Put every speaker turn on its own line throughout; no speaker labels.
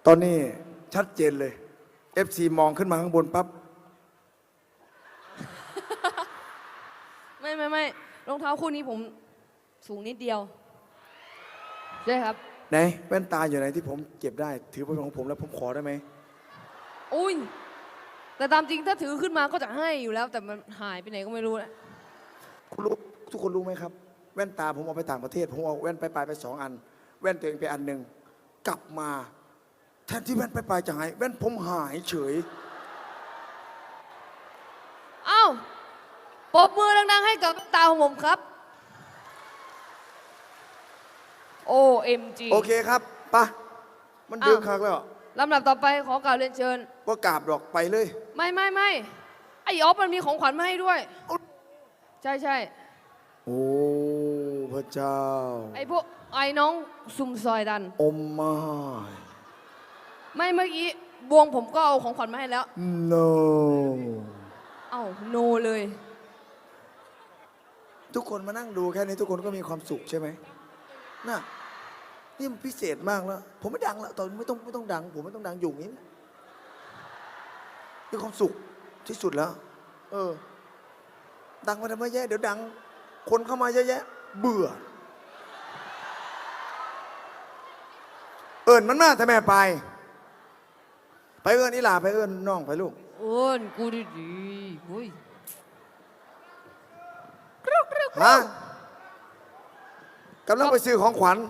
ตอนนี้ชัดเจนเลย FC มองขึ้นมาข้างบนปั๊บ
ไม่รองเท้าคู่นี้ผมสูงนิดเดียวใช่ครับ
ไหนแว่นตาอยู่ไหนที่ผมเก็บได้ ถือเป็นของผมแล้วผมขอได้ไหม
อุ้ยแต่ตามจริงถ้าถือขึ้นมาก็จะให้อยู่แล้ว แต่มันหายไปไหนก็ไม่รู้นะ
คุณรู้ทุกคนรู้ไหมครับ แว่นตาผมเอาไปต่างประเทศผมเอาแว่นไป2 อัน แว่นตัวเองไปอันหนึ่งกลับมาแทนที่แว่นไปจะหายแว่นผมหายเฉย
เอ้าปรบมือดังๆให้กับตาของผมครับ OMG
โอเคครับปะมันดึงคักแล้ว
ลำดับต่อไปขอกล่าวเรียนเชิญ
ว่ากราบดอกไปเลย
ไม่ไอ้ออฟมันมีของขวัญมาให้ด้วย ใช่
โอ้พระเจ้า
ไอ้พวกไอ้น้องซุ่มซอยดัน
อมมา
ไม่เมื่อกี้บวงผมก็เอาของขวัญมาให้แล้ว
no
เอ้าโนเลย
ทุกคนมานั่งดูแค่นี้ทุกคนก็มีความสุขใช่ไหมน่ะนี่มันพิเศษมากแล้วผมไม่ดังแล้วตอนไม่ต้องดังผมไม่ต้องดังอยู่อย่างนี้มีความสุขที่สุดแล้ว ดังมาทำไมแย่เดี๋ยวดัง คนเข้ามาเยอะแยะ เบื่อ เอิญมันมาแต่แม่ไปเอิญอีหลาไปเอิญน้องไปลูก
โอ้นกูดีๆอุ้ย
ฮะกำลังไปซื้อของขวัญ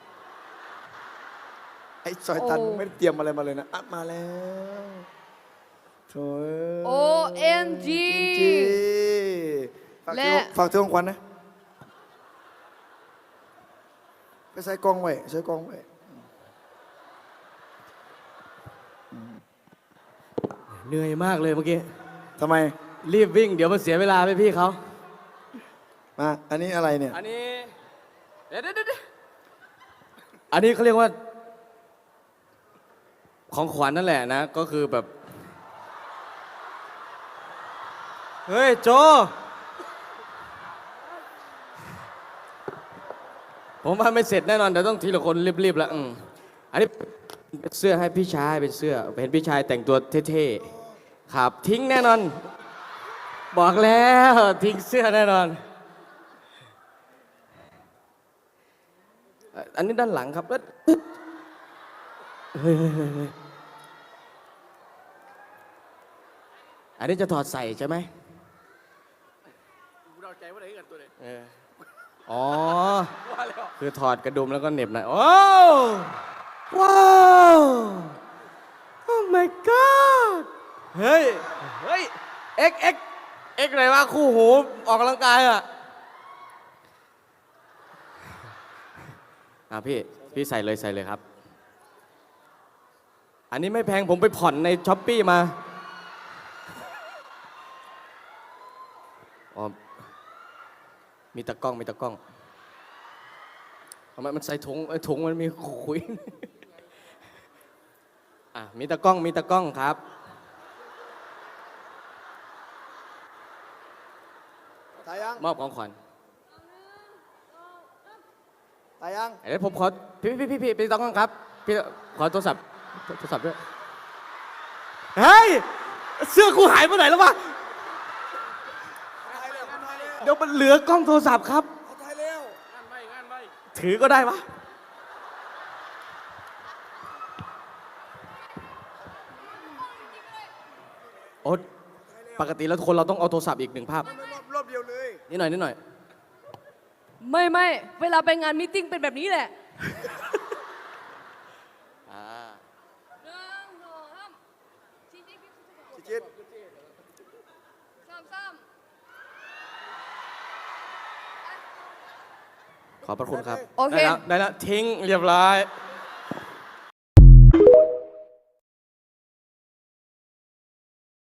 ไอ้ซอยตันไม่ได้เตรียมอะไรมาเลยนะอัดมาแล้วโถ่
OMG
จริงๆฝากถือของขวัญนะไปใส่กล้องไว้ใส่กล้องไว้
เหนื่อยมากเลยเมื่อกี้
ทำไม
รีบวิ่งเดี๋ยวมันเสียเวลาไปพี่เขา
มาอันนี้อะไรเนี่ย
อันนี้เดี๋ยวอันนี้เขาเรียกว่า ของขวัญนั่นแหละนะ ก็คือแบบ เฮ้ยโจ ผมว่าไม่เสร็จแน่นอนเดี๋ยวต้องทีละคนรีบๆแล้วอันนี้เป็นเสื้อให้พี่ชายเป็นเสื้อเห็นพี่ชายแต่งตัวเท่ๆครับทิ้งแน่นอน บอกแล้วทิ้งเสื้อแน่นอน อันนี้ด้านหลังครับเฮ้ยอันนี้จะถอดใส่ใช่ไหมเราใจว่าอะไรกันตัวเลยอ๋อคือถอดกระดุมแล้วก็เหน็บหน่อยโอ้ว้าวโอ้ my god เฮ้ยเอ็กอะไรวะคู่หูออกกำลังกายอ่ะพี่ใส่เลยครับ อันนี้ไม่แพงผมไปผ่อนในช้อปปี้มาอ๋อมีตะกล้องทำไมมันใส่ถุงมันมีขุยมีตะกล้องครับ
ตายยัง
มอบของขวัญ
ตายยัง
เดี๋ยวผมขอพี่ตะกล้องครับพี่ขอโทรศัพท์ด้วยเฮ้ยเสื้อกูหายไปไหนแล้ววะเดี๋ยวมันเหลือกล้องโทรศัพท์ครับ
ตายแล้ว
ถือก็ได้ปะโอ๊ตปกติแล้วคนเราต้องเอาโทรศัพท์อีก1 ภาพ
รอบเดียวเลย
นิดหน่อย
ไม่เวลาไปงานมีตติ้งเป็นแบบนี้แหละ
จิต
ขอบพระคุณครับ
โอเค
ได้แล้วทิ้งเรียบร้อย